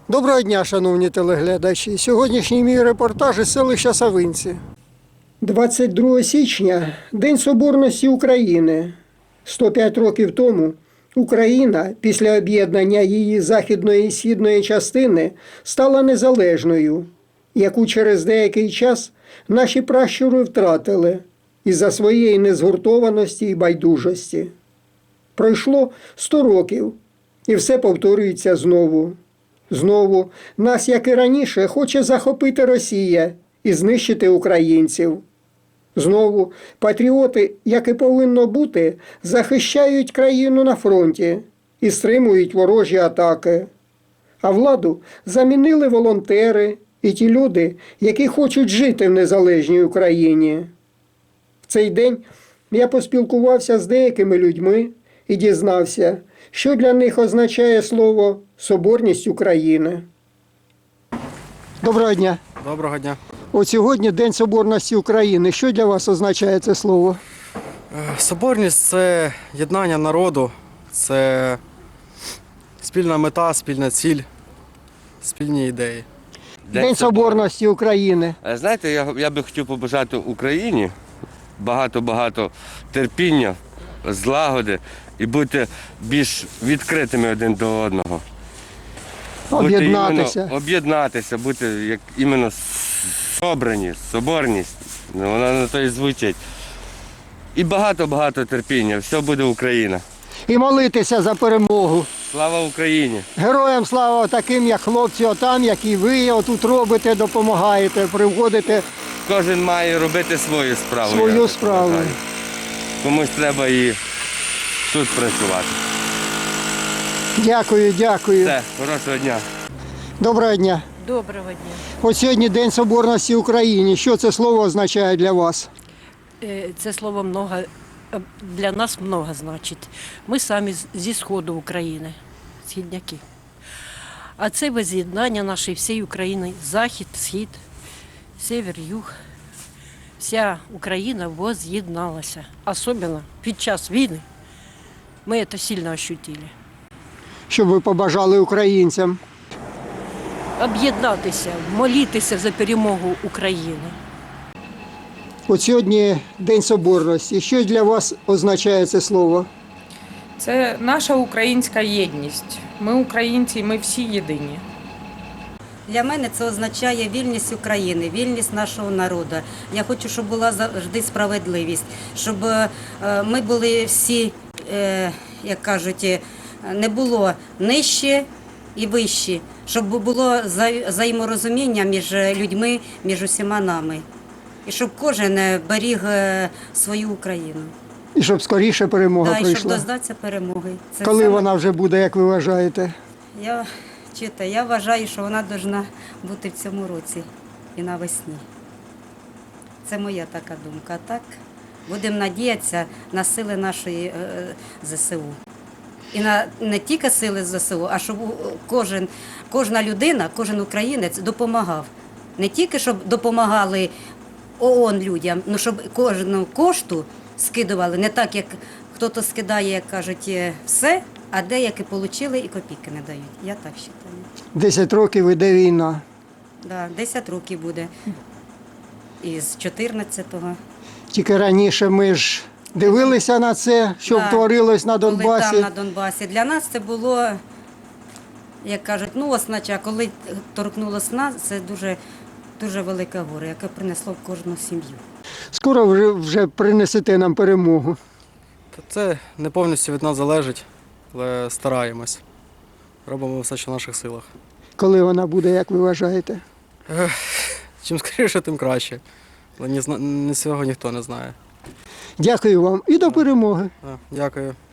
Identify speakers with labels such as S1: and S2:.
S1: Доброго дня, шановні телеглядачі. Сьогоднішній мій репортаж із селища Савинці. 22 січня – День Соборності України. 105 років тому Україна після об'єднання її західної і східної частини стала незалежною, яку через деякий час наші пращури втратили із-за своєї незгуртованості і байдужості. Пройшло 100 років, і все повторюється знову. Знову нас, як і раніше, хоче захопити Росія і знищити українців. Знову патріоти, як і повинно бути, захищають країну на фронті і стримують ворожі атаки. А владу замінили волонтери і ті люди, які хочуть жити в незалежній Україні. В цей день я поспілкувався з деякими людьми і дізнався, що для них означає слово «Соборність України». Доброго дня.
S2: Доброго дня.
S1: От сьогодні День Соборності України. Що для вас означає це слово?
S2: Соборність – це єднання народу, це спільна мета, спільна ціль, спільні ідеї.
S1: День Соборності України.
S3: Знаєте, я би хотів побажати Україні багато-багато терпіння, злагоди і бути більш відкритими один до одного. Об'єднатися, бути як іменно соборність, вона на то і звучить. І багато-багато терпіння, все буде Україна.
S1: І молитися за перемогу.
S3: Слава Україні!
S1: Героям слава таким, як хлопці отам, як і ви отут робите, допомагаєте, приводите.
S3: Кожен має робити свою справу.
S1: Свою справу.
S3: Комусь треба і тут працювати.
S1: Дякую.
S3: Все, хорошого дня.
S1: Доброго дня.
S4: Доброго дня.
S1: От сьогодні День Соборності України. Що це слово означає для вас?
S4: Це слово для нас много значить. Ми самі зі сходу України, східняки. А це воз'єднання нашої всієї України, захід, схід, север, юг. Вся Україна воз'єдналася. Особливо під час війни ми це сильно ощутили.
S1: Що ви побажали українцям?
S4: Об'єднатися, молитися за перемогу України.
S1: От сьогодні День Соборності. Що для вас означає це слово?
S5: Це наша українська єдність. Ми українці, ми всі єдині.
S6: Для мене це означає вільність України, вільність нашого народу. Я хочу, щоб була завжди справедливість, щоб ми були всі, як кажуть, не було нижче і вище, щоб було взаєморозуміння між людьми, між усіма нами. І щоб кожен беріг свою Україну.
S1: І щоб скоріше перемога
S6: прийшла.
S1: прийшла.
S6: І щоб дождатися перемоги.
S1: Коли вона вже буде, як ви вважаєте?
S6: Я вважаю, що вона повинна бути в цьому році і навесні. Це моя така думка. А так, будемо надіятися на сили нашої ЗСУ. І не тільки сили ЗСУ, а щоб кожна людина, кожен українець допомагав. Не тільки, щоб допомагали ООН людям, але щоб кожну кошту скидували. Не так, як хтось скидає, як кажуть, все, а деякі отримали і копійки не дають. Я так вважаю.
S1: 10 років іде війна.
S6: Так, 10 років буде. Із 14-го.
S1: Тільки раніше ми ж дивилися на це, що творилось на Донбасі.
S6: Коли там на Донбасі. Для нас це було, як кажуть, оснача. Коли торкнулося нас, це дуже велике горе, яке принесло в кожну сім'ю.
S1: Скоро вже принесете нам перемогу.
S2: Це не повністю від нас залежить, але стараємось. Робимо все, що в наших силах.
S1: Коли вона буде, як ви вважаєте?
S2: Чим скоріше, тим краще. Але цього ніхто не знає.
S1: Дякую вам і до перемоги.
S2: Дякую.